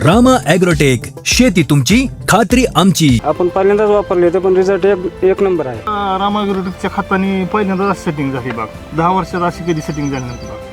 Rama agrotech, शेती तुमची खात्री आमची. आपण पहिल्यांदाच वापरले होते पण रिझल्ट एक नंबर आहे. रामा ॲग्रोटेकच्या खताने पहिल्यांदाच सेटिंग झाली बाग. 10 वर्षात अशी कधी सेटिंग झाली नव्हती बाग.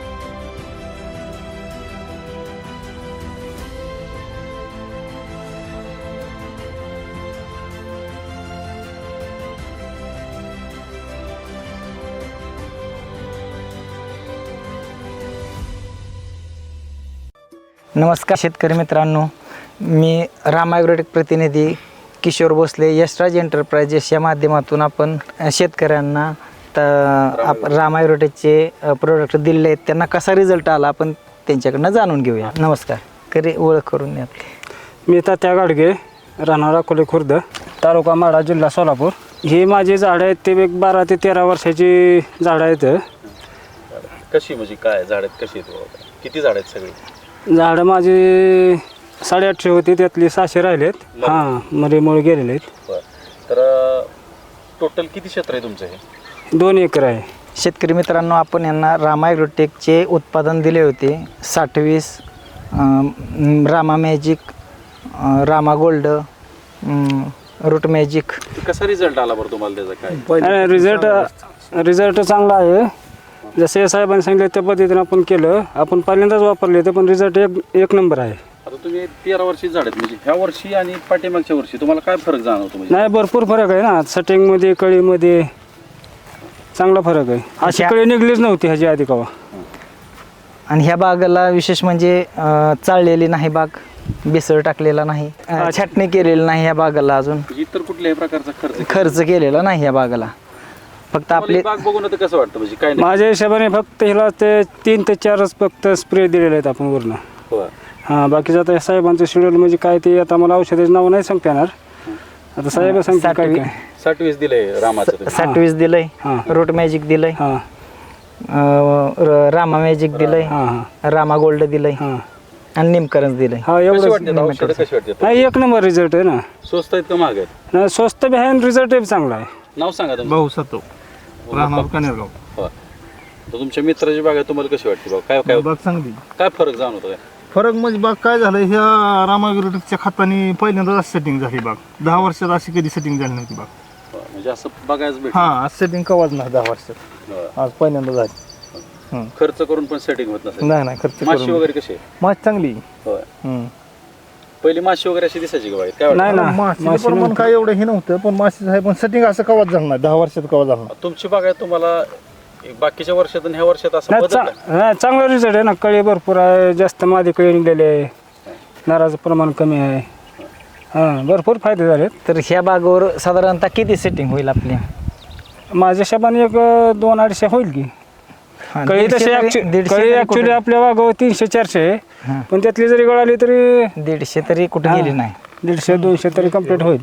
नमस्कार शेतकरी मित्रांनो, मी रामा ॲग्रोटेक प्रतिनिधी किशोर भोसले यशराज एंटरप्राइजेस या माध्यमातून आपण शेतकऱ्यांना रामा ॲग्रोटेकचे प्रोडक्ट दिले आहेत, त्यांना कसा रिझल्ट आला आपण त्यांच्याकडनं जाणून घेऊया. नमस्कार, ओळख करून द्या आपली. मी तात्या गाडगे, राहणार अकोले खुर्द, तालुका माढा, जिल्हा सोलापूर. ही माझी झाडं आहेत ते एक 12 ते 13 वर्षाची झाडं आहेत. कशी म्हणजे काय झाडात कशी आहेत, किती झाड आहेत सगळी? झाडं माझी 850 होती, त्यातली 600 राहिलेत. हां, मरेमुळे गेलेले आहेत. तर टोटल किती क्षेत्र आहे तुमचं? हे 2 एकर आहे. शेतकरी मित्रांनो, आपण यांना रामा ॲग्रोटेकचे उत्पादन दिले होते 60-20, Rama magic, Rama gold, root magic. कसा रिझल्ट आला बरं तुम्हाला त्याचा? काय रिझल्ट चांगला आहे. जसे साहेबांनी सांगितलं त्या पद्धतीने आपण केलं. आपण पहिल्यांदाच वापरले होते पण रिझल्ट एक नंबर आहे. आता तुम्ही 13 वर्षी झाड आहेत, म्हणजे ह्या वर्षी आणि पाठीमागच्या वर्षी तुम्हाला काय फरक जाणवतो? म्हणजे नाही, भरपूर फरक आहे ना. सेटिंगमध्ये, कळीमध्ये चांगला फरक आहे. अशी कळी निघलीच नव्हती ह्याची आधी कवा. आणि ह्या बागेला विशेष म्हणजे चाळलेली नाही बाग, बेसळ टाकलेला नाही, छाटणी केलेली नाही ह्या बागेला, अजून इतर कुठल्याही प्रकारचा खर्च केलेला नाही या बागेला. फक्त आपले बाग बघून आता कसं वाटतं? म्हणजे काय माझ्या हिशोबाने फक्त ह्याला ते 3 ते 4च फक्त स्प्रे दिलेले आहेत आपण वरनं. हां, बाकीचं आता साहेबांचं शेड्यूल म्हणजे काय ते आता मला औषधाचं नाव नाही सांगता येणार. आता साहेब सांगतात काय काय. 60-20 दिलंय रामाचं. 60-20 दिलंय, रूट मॅजिक दिलंय, हां, रामा मॅजिक दिलंय, हां, रामा गोल्ड दिलंय हां, आणि निमकरंज दिलंय. हा, कशी एवढं वाटते औषधं? कशी वाटते? नाही, एक नंबर रिझल्ट आहे ना. स्वस्त आहेत का महाग आहेत? नाही, स्वस्त बी आहे आणि रिझल्ट बी चांगला आहे. नाव सांगा तुमचं. भाऊ सतो, राहणार कनेरगाव. तर तुमच्या मित्राची बाग आहे, तुम्हाला कशी वाटते बाग? काय काय बाग चांगली. काय फरक जाणवतो? काय फरक म्हणजे बाग काय झालं, ह्या रामा ॲग्रोटेकच्या खताने पहिल्यांदाच सेटिंग झाली बाग. 10 वर्षात अशी कधी सेटिंग झाली नव्हती बाग. म्हणजे असं बघायचं भेट. हां, आज सेटिंग कवाच नाही 10 वर्षात, आज पहिल्यांदा झाली. खर्च करून पण सेटिंग होत नसेल? नाही खर्च माशी वगैरे कशी आहे? माशी चांगली. होय. पहिली माशी वगैरे अशी दिसायची का बाहेर? काय नाही वाटतं? ना, माशी पण काय एवढं हे नव्हतं, पण माशीचं आहे पण सेटिंग असं कवाच झालं नाही 10 वर्षात कवा झालं नाही. तुमची बाग आहे, तुम्हाला बाकीच्या वर्षात आणि ह्या वर्षात असं नाही, बदल नाही, चांगला रिझल्ट आहे ना. कळी भरपूर आहे, जास्त मादी कळी निघलेली आहे, नाराचं प्रमाण कमी आहे. हां, भरपूर फायदे झाले. तर ह्या बागेवर साधारणतः किती सेटिंग होईल आपली? माझ्या हिशोबाने एक 200-250 होईल की. हा, कळी 150 तशी तरी कळी ऍक्च्युली कुठे- आपल्या बागावर 300-400 आहे. हां. पण त्यातली जरी गळाली तरी 150 तरी कुठे गेली नाही. 150-200 तरी कम्प्लीट होईल.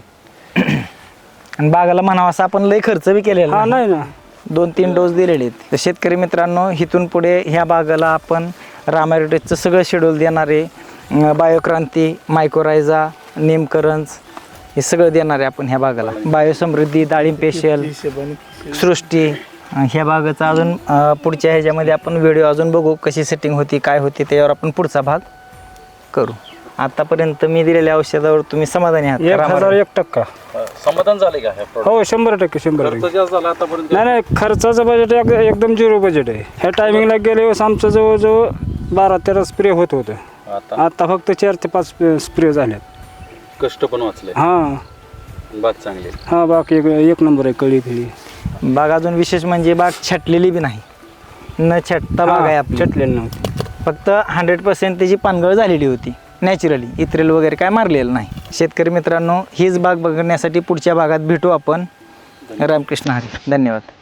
आणि बागाला म्हणावा असं आपण लय खर्च बी केलेला हा, नाही ना. 2-3 डोस दिलेले आहेत. तर शेतकरी मित्रांनो, इथून पुढे ह्या बागाला आपण रामा ॲग्रोटेकचं सगळं शेड्यूल देणारे, बायोक्रांती, मायक्रोरायझा, निमकरंज हे सगळं देणार आहे आपण ह्या बागाला. बायोसमृद्धी, डाळिंब स्पेशल, सृष्टी. ह्या बागाचा अजून पुढच्या ह्याच्यामध्ये आपण व्हिडिओ अजून बघू, कशी सेटिंग होती, काय होती, त्याच्यावर आपण पुढचा भाग करू. आतापर्यंत मी दिलेल्या औषधावर तुम्ही समाधानी आहात? 1001% समाधान झाले का ह्या product? हो, 100%. 100%. खर्च जास्त झाला आतापर्यंत? नाही, खर्चाचं बजेट एकदम 0 बजेट आहे. ह्या टायमिंगला गेले वेळेस आमचं जवळजवळ 12-13 स्प्रे होत होतं. आता फक्त 4 ते 5 स्प्रे झालेत. कष्ट पण वाचले. हां, बाग चांगली. हां, बाकी एक नंबर आहे. कळी फिळी बाग अजून विशेष म्हणजे बाग छाटलेली बी नाही, न छाटता बाग आहे आपली. चटलेली नव्हती. फक्त 100% त्याची पानगळ झालेली होती नॅचरली, इत्रेल वगैरे काय मारलेलं नाही. शेतकरी मित्रांनो, हीच बाग बघण्यासाठी पुढच्या भागात भेटू आपण. रामकृष्ण हरी. धन्यवाद.